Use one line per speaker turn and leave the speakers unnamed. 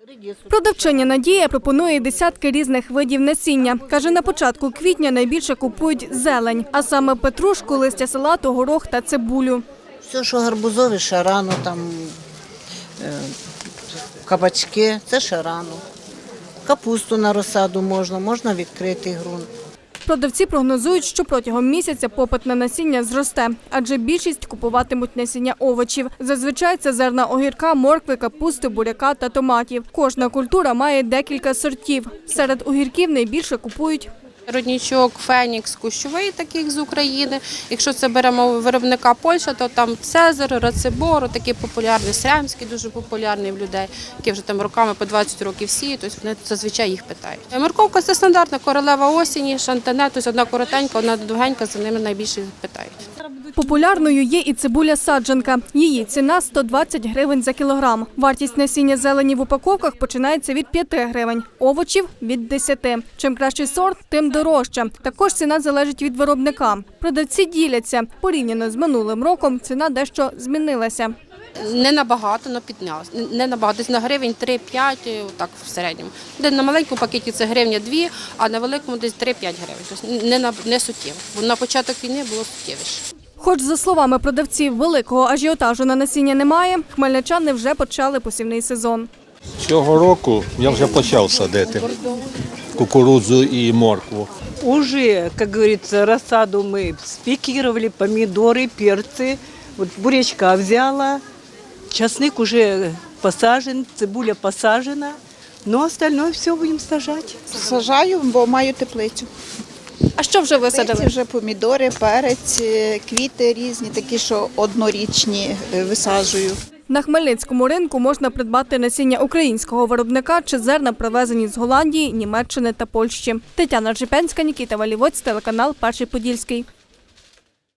Продавчиня Надія пропонує десятки різних видів насіння. Каже, на початку квітня найбільше купують зелень, а саме петрушку, листя салату, горох та цибулю.
Все, що гарбузові, ще рано, кабачки, це ще рано. Капусту на розсаду можна відкритий ґрунт.
Продавці прогнозують, що протягом місяця попит на насіння зросте, адже більшість купуватимуть насіння овочів. Зазвичай це зерна огірка, моркви, капусти, буряка та томатів. Кожна культура має декілька сортів. Серед огірків найбільше купують
Родничок, Фенікс, Кущовий, таких з України. Якщо це беремо виробника Польща, то там Цезар, Рацебор, такий популярний, Сремський дуже популярний в людей, які вже там роками по 20 років сіють, тобто вони зазвичай їх питають. Морковка – це стандартна королева осені, шантане, тобто одна коротенька, одна довгенька, за ними найбільше питають.
Популярною є і цибуля-саджанка. Її ціна – 120 гривень за кілограм. Вартість насіння зелені в упаковках починається від 5 гривень, овочів – від 10. Чим кращий сорт, тим дорожче. Також ціна залежить від виробника. Продавці діляться. Порівняно з минулим роком ціна дещо змінилася.
Не набагато, але піднялося. Не набагато, десь на гривень 3-5, так в середньому. Де на маленькому пакеті це гривня 2, а на великому десь 3-5 гривень. Тобто не суттєво, бо на початок війни було суттєвіше.
Хоч, за словами продавців, великого ажіотажу на насіння немає, хмельничани вже почали посівний сезон.
Цього року я вже почав садити кукурудзу і моркву.
Уже, как говорится, рассаду мы спикировали, помидоры, перцы. Вот бурячка взяла, часник уже посажен, цибуля посажена, но остальное все будем сажать.
Сажаю, бо маю теплицю.
А що вже висадили?
Це вже помідори, перець, квіти різні, такі, що однорічні висаджую.
На Хмельницькому ринку можна придбати насіння українського виробника чи зерна, привезені з Голландії, Німеччини та Польщі. Тетяна Ржепянська, Нікіта Валівоць, телеканал «Перший Подільський».